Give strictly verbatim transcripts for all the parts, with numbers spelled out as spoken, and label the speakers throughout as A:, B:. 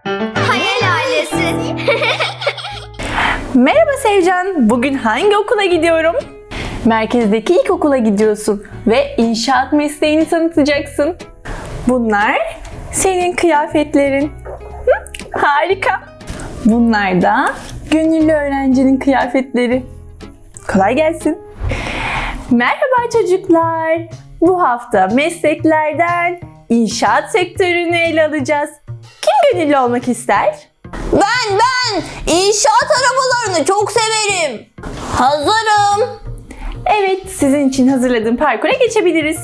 A: Hayal ailesi.
B: Merhaba Sevcan, bugün hangi okula gidiyorum? Merkezdeki ilkokula gidiyorsun ve inşaat mesleğini tanıtacaksın. Bunlar senin kıyafetlerin. Hı, harika. Bunlar da gönüllü öğrencinin kıyafetleri. Kolay gelsin. Merhaba çocuklar. Bu hafta mesleklerden inşaat sektörünü ele alacağız. Kim gönüllü olmak ister?
A: Ben ben inşaat arabalarını çok severim. Hazırım.
B: Evet, sizin için hazırladığım parkura geçebiliriz.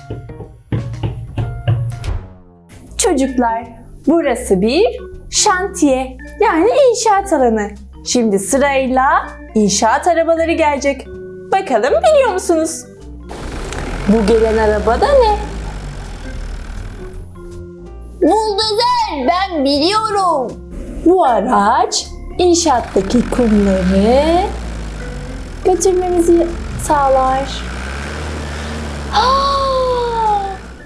B: Çocuklar, burası bir şantiye, yani inşaat alanı. Şimdi sırayla inşaat arabaları gelecek. Bakalım biliyor musunuz? Bu gelen araba da ne?
A: Buldozer, ben biliyorum.
B: Bu araç inşaattaki kumları götürmemizi sağlar. Aa!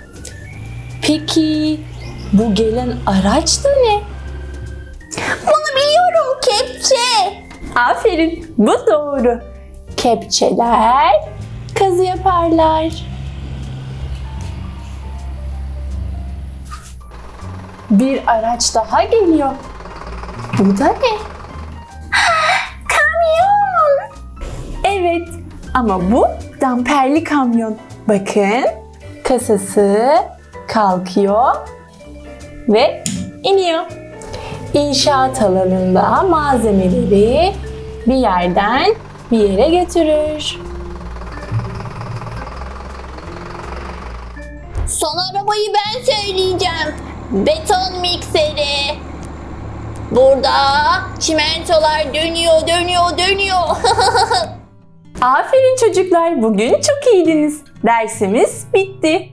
B: Peki bu gelen araç da ne?
A: Bunu biliyorum, kepçe.
B: Aferin, bu doğru. Kepçeler kazı yaparlar. Bir araç daha geliyor. Bu da ne?
A: Kamyon.
B: Evet, ama bu damperli kamyon. Bakın, kasası kalkıyor ve iniyor. İnşaat alanında malzemeleri bir yerden bir yere götürür.
A: Son arabayı ben söyleyeceğim. Beton mikseri. Burada çimentolar dönüyor, dönüyor, dönüyor.
B: Aferin çocuklar, bugün çok iyiydiniz. Dersimiz bitti.